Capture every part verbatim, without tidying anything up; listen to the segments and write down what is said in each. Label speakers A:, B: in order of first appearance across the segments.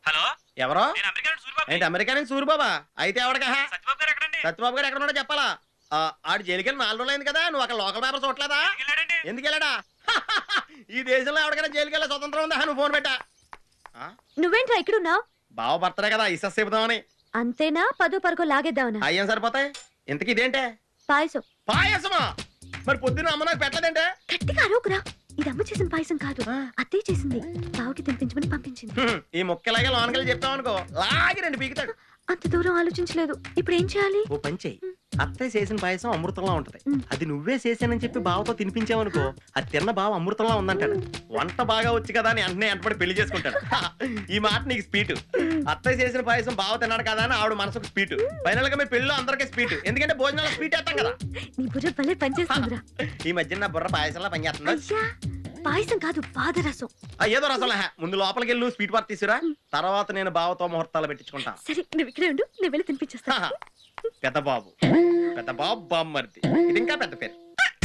A: Hello
B: ఎవరో
A: America
B: ఏంటి America నుంచి సూరిబాబా అయితే ఎవడక
A: సత్యబాబు గారు ఎక్కడండి?
B: సత్యబాబు గారు ఎక్కడ ఉన్నాడో చెప్పాలా ఆడు జైలుకి వెళ్ళి నాలుగు రోజులు అయింది కదా నువ్వు అక్కడ లోకల్ పేపర్ చూడలేదా
A: వెళ్ళాడండి.
B: ఎందుకు వెళ్ళాడా ఈ దేశంలో ఎవరికైనా జైలుకి వెళ్ళే స్వతంత్రం ఉందా నువ్వు ఫోన్ పెట్టా
C: నువ్వేంట్రా ఇక్కడున్నావు?
B: బావ బర్తడే కదా ఇసస్ చెబుదామని
C: అంతేనా? పదో పరకో లాగేద్దామనా?
B: అయ్యేం సరిపోతాయి ఇంతకి ఇదేంటే
C: పాయసం.
B: పాయసమా మరి పొద్దున్న అమ్మ నాకు పెట్టలేదంటే
C: గట్టిగా అరవకురా, ఇది అమ్మ చేసిన పాయసం కాదు, అత్తయ్య చేసింది. బావకి తినిపించమని పంపించింది.
B: ఈ ముక్కలాగే లోనకెళ్ళి చెప్పావనుకో లాగి రెండు పీకుతాడు.
C: అంత దూరం ఆలోచించలేదు. ఇప్పుడు ఏం చేయాలి?
B: ఓ పని చెయ్యి, అత్తయ్య చేసిన పాయసం అమృతంలా ఉంటది, అది నువ్వే చేసానని చెప్పి బావతో తినిపించావనుకో అది తిన్న బావ అమృతంలా ఉందంటాడు. వంట బాగా వచ్చి కదా అని వెంటనే వెంటబడి పెళ్లి చేసుకుంటాడు. ఈ మాట నీకు స్పీట్. అత్తయ్య చేసిన పాయసం బావ తిన్నాడు కదా అని ఆవిడ మనసుకు స్పీట్. ఫైనల్ గా మీ పెళ్ళిలో అందరికీ స్పీట్, ఎందుకంటే భోజనాలు స్పీట్ వేస్తాం కదా.
C: నీ బుర్ర భలే పనిచేస్తుందిరా.
B: ఈ మధ్య నా బుర్ర పాయసంలా పనిచేస్తుందా?
C: అయ్యా పాయసం కాదు, పాదరసం.
B: ఏదో రసంలా ముందు లోపలికి వెళ్ళి నువ్వు స్వీట్ పార్ట్ తీసుకురా, తర్వాత నేను బావతో ముహూర్తాలు పెట్టించుకుంటా.
C: సరే నువ్వు ఇక్కడే ఉండు, నేను వెళ్ళి తినిపించేస్తా.
B: పెద్ద బాబు పెద్ద బాబు బామ్మర్ది, ఇది ఇంకా పెద్ద పేరు.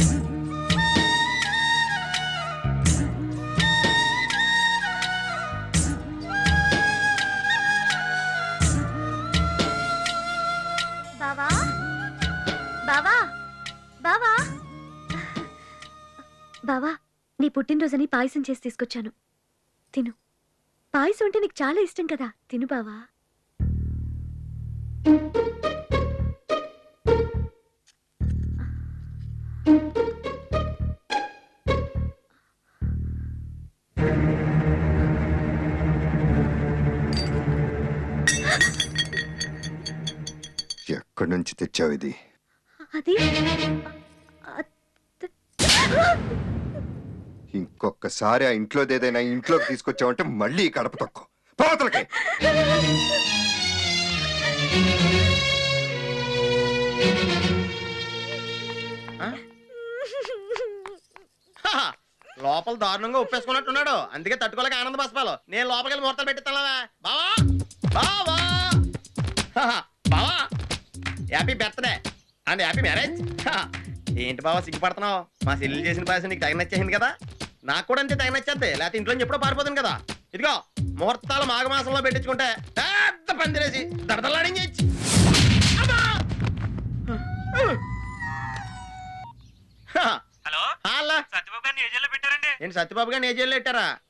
C: బావా బావా బావా బావా, నీ పుట్టినరోజని పాయసం చేసి తీసుకొచ్చాను, తిను. పాయసం అంటే నీకు చాలా ఇష్టం కదా, తిను బావా.
D: ఎక్కడి నుంచి తెచ్చావు ఇది?
C: అది
D: ఇంకొకసారి ఆ ఇంట్లోది ఏదైనా ఇంట్లోకి తీసుకొచ్చావంటే మళ్ళీ కడప తక్కువ పాతలకి.
B: లోపల దారుణంగా ఉప్పేసుకున్నట్టున్నాడు, అందుకే తట్టుకోలేక ఆనంద బాష్పాలు. నేను లోపలికి వెళ్ళి ముహూర్తాలు పెట్టిస్తావా బావా? బావా బావా happy birthday and happy marriage. ఏంటి బావా సిగ్గుపడుతున్నావు? మా చెల్లెలు చేసిన పాయసం నీకు తగిన నచ్చేసింది కదా, నాకు కూడా అంతే తగిన నచ్చేద్ది, లేకపోతే ఇంట్లో ఎప్పుడో పారిపోతుంది కదా. ఇదిగో ముహూర్తాలు మాఘమాసంలో పెట్టించుకుంటే పెద్ద పందిరేసి దడదలాడించు.
A: హలో
B: హలో
A: సత్యబాబు గారిని ఏ జైల్లో పెట్టారండి?
B: ఏంటి సత్యబాబు గారిని ఏ జైల్లో పెట్టారా?